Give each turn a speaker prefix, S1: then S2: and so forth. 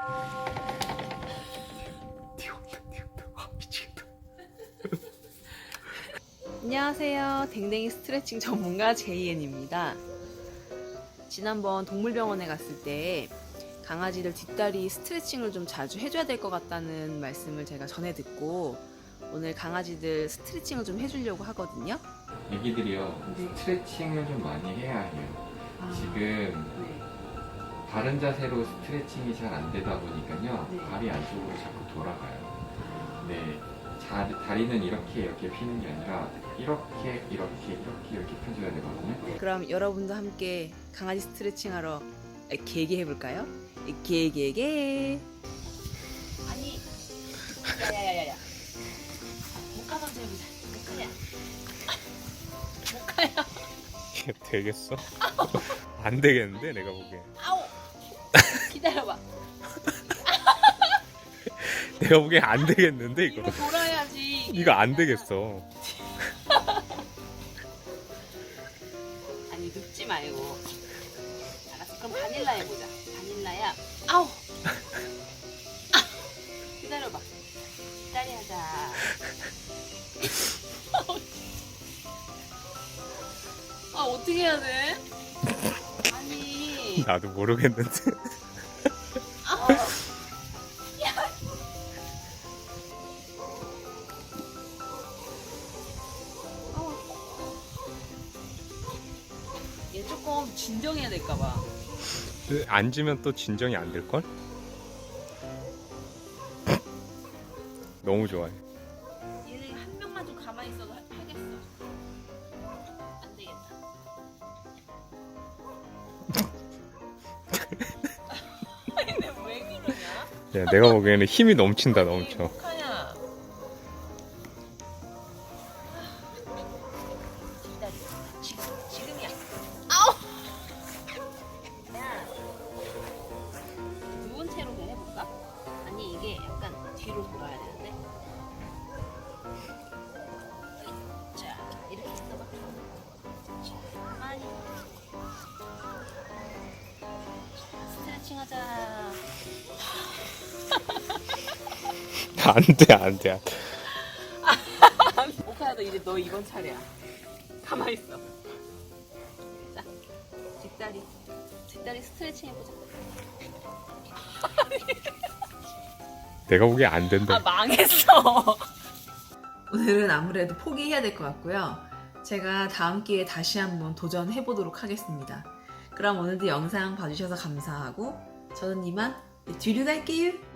S1: 미치겠다.
S2: 안녕하세요. 댕댕이 스트레칭 전문가 제이엔입니다. 지난번 동물병원에 갔을 때 강아지들 뒷다리 스트레칭을 좀 자주 해줘야 될 것 같다는 말씀을 제가 전해 듣고 오늘 강아지들 스트레칭을 좀 해주려고 하거든요.
S1: 애기들이요,
S2: 네.
S1: 스트레칭을 좀 많이 해야 해요. 지금
S2: 네.
S1: 바른 자세로 스트레칭이 잘 안 되다 보니까요,
S2: 네.
S1: 발이 안쪽으로 자꾸 돌아가요. 네, 다리는 이렇게 피는 게 아니라 이렇게 펴줘야 되거든요.
S2: 그럼 여러분도 함께 강아지 스트레칭 하러 개개 해볼까요? 개개개. 아니, 야야야야야. 목가 먼저 해보자. 목가야.
S3: 이게 되겠어? 안 되겠는데 내가 보기엔.
S2: 아우. 기다려봐.
S3: 내가 보기엔 안 되겠는데 이거.
S2: 이거 돌아야지.
S3: 이거 안 되겠어.
S2: 아니 눕지 말고. 알았어. 그럼 바닐라 해보자. 바닐라야. 아우. 기다려봐. 기다려자. 아 어떻게 해야 돼? 아니.
S3: 나도 모르겠는데.
S2: 아우. 얘 조금 진정해야 될까봐.
S3: 앉으면 또 진정이 안 될걸? 너무 좋아해.
S2: 얘는 한 명만 좀 가만히 있어도 하겠어. 안 되겠다. 아니 내가 왜 그러냐?
S3: 야, 내가 보기에는 힘이 넘친다 넘쳐.
S2: 어떡하냐? 기다려. 지금이야. 아우. 야. 누운 채로 그냥 해볼까? 아니 이게 약간 뒤로 돌아야 되는데. 자 이렇게 있어봐. 자 많이. 스트레칭 하자.
S3: 안 돼, 안 돼.
S2: 오카야 너 이제 너 이번 차례야. 가만히 있어. 자, 뒷다리 스트레칭 해보자.
S3: 내가 보기엔 안 된다.
S2: 아 망했어. 오늘은 아무래도 포기해야 될 것 같고요. 제가 다음 기회에 다시 한번 도전해 보도록 하겠습니다. 그럼 오늘도 영상 봐주셔서 감사하고 저는 이만 뒤로 갈게요.